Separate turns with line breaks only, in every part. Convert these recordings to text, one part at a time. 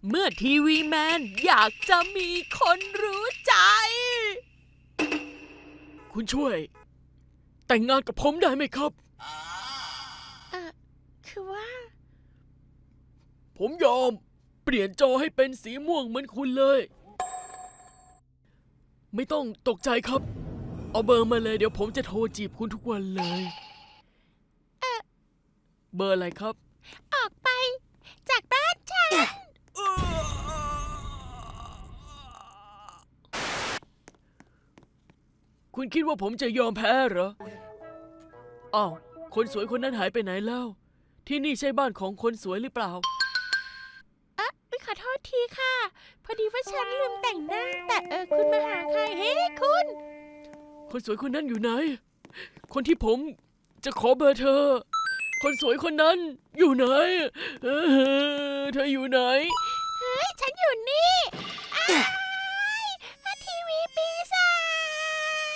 เมื่อทีวีแมนอยากจะมีคนรู้ใจ
คุณช่วยแต่งงานกับผมได้ไหมครับ
คือว่า
ผมยอมเปลี่ยนจอให้เป็นสีม่วงเหมือนคุณเลยไม่ต้องตกใจครับเอาเบอร์มาเลยเดี๋ยวผมจะโทรจีบคุณทุกวันเลยเบอร์อะไรครับ
ออกไปจากบ้านฉัน
คุณคิดว่าผมจะยอมแพ้เหรออ้าวคนสวยคนนั้นหายไปไหนแล้วที่นี่ใช่บ้านของคนสวยหรือเปล่า
ขอโทษทีค่ะ พอดีว่าฉันลืมแต่งหน้า แต่คุณมาหาใคร เฮ้คุณ
คนสวยคนนั้นอยู่ไหนคนที่ผมจะขอเบอร์เธอคนสวยคนนั้นอยู่ไหนเธออยู่ไหน
เฮ้ยฉันอยู่นี่ทีวีปีศาจ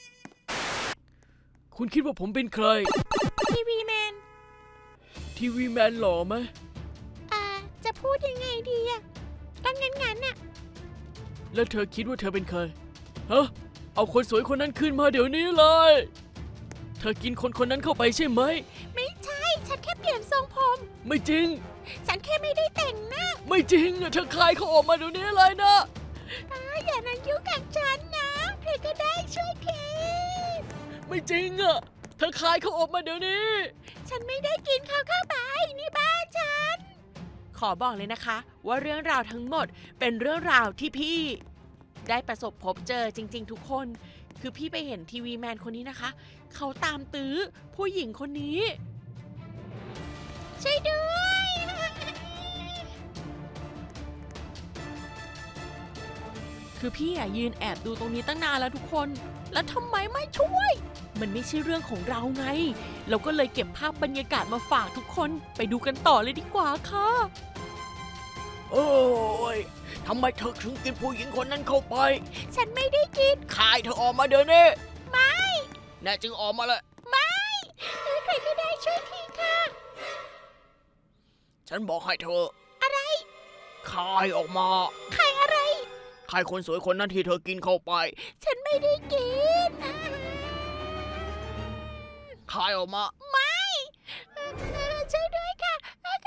คุณคิดว่าผมเป็นใคร
ทีวีแมน
ทีวีแมนหล่อไหม
จะพูดยังไงดีอะก็งั้นน่ะ
แล้วเธอคิดว่าเธอเป็นใครฮะเอาคนสวยคนนั้นขึ้นมาเดี๋ยวนี้เลยเธอกินคนคนนั้นเข้าไปใช่ไหม
ไม่ใช่ ฉันแค่เปลี่ยนทรงผม
ไม่จริง
ฉันแค่ไม่ได้แต่งหน้า
ไม่จริงเธอคายเขาออกมาเดี๋ยวนี้เลยนะ
อย่ามายุ่งกับฉันนะใครก็ได้ช่วยที
ไม่จริงเธอคายเขาออกมาเดี๋ยวนี้
ฉันไม่ได้กินเขาเข้าไปนี่บ้านฉันขอบอกเลยนะคะว่าเรื่องราวทั้งหมดเป็นเรื่องราวที่พี่ได้ประสบพบเจอจริงๆทุกคนคือพี่ไปเห็นทีวีแมนคนนี้นะคะเขาตามตื้อผู้หญิงคนนี้ช่วยด้วยคือพี่ยืนแอบดูตรงนี้ตั้งนานแล้วทุกคนแล้วทำไมไม่ช่วยมันไม่ใช่เรื่องของเราไงเราก็เลยเก็บภาพบรรยากาศมาฝากทุกคนไปดูกันต่อเลยดีกว่าค่ะ
โอ้ยทำไมเธอถึงกินผู้หญิงคนนั้นเข้าไป
ฉันไม่ได้กิน
คายเธอออกมาเดี๋ยวนี้
ไม่
แน่จริงออกมาเลย
ไม่ใครก็ได้ช่วยทีค่ะ
ฉันบอกให้เธอ
อะไร
คายออกมา
คายอะไร
คายคนสวยคนนั้นที่เธอกินเข้าไป
ฉันไม่ได้กิน
คายออกมา
ไม่ช่วยด้วยค่ะ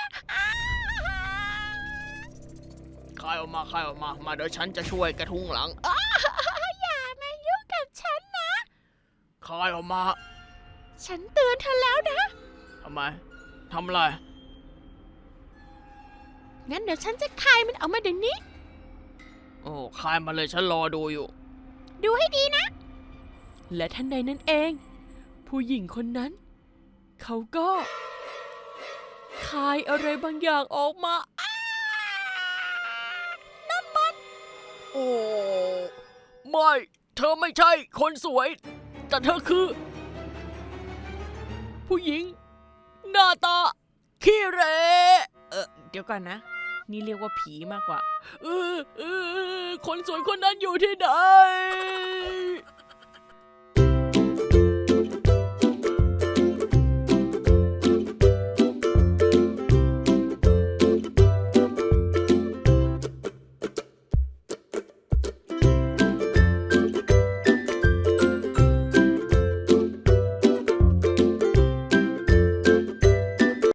คายออกมาคายออกมามาเดี๋ยวฉันจะช่วยกระทุ้งหลัง
อย่ามายุ่งกับฉันนะ
คายออกมา
ฉันเตือนเธอแล้วนะ
ทำไมทำอะไร
งั้นเดี๋ยวฉันจะคายมันออกมาเดี๋ยวนี้
โอ้คายมาเลยฉันรอดูอยู่
ดูให้ดีนะและทันใดนั้นเองผู้หญิงคนนั้นเขาก็คายอะไรบางอย่างออกมานั่นมัน
โอ้ไม่เธอไม่ใช่คนสวยแต่เธอคือผู้หญิงหน้าตาขี้เหร่
เดี๋ยวก่อนนะนี่เรียกว่าผีมากกว่า
คนสวยคนนั้นอยู่ที่ไหน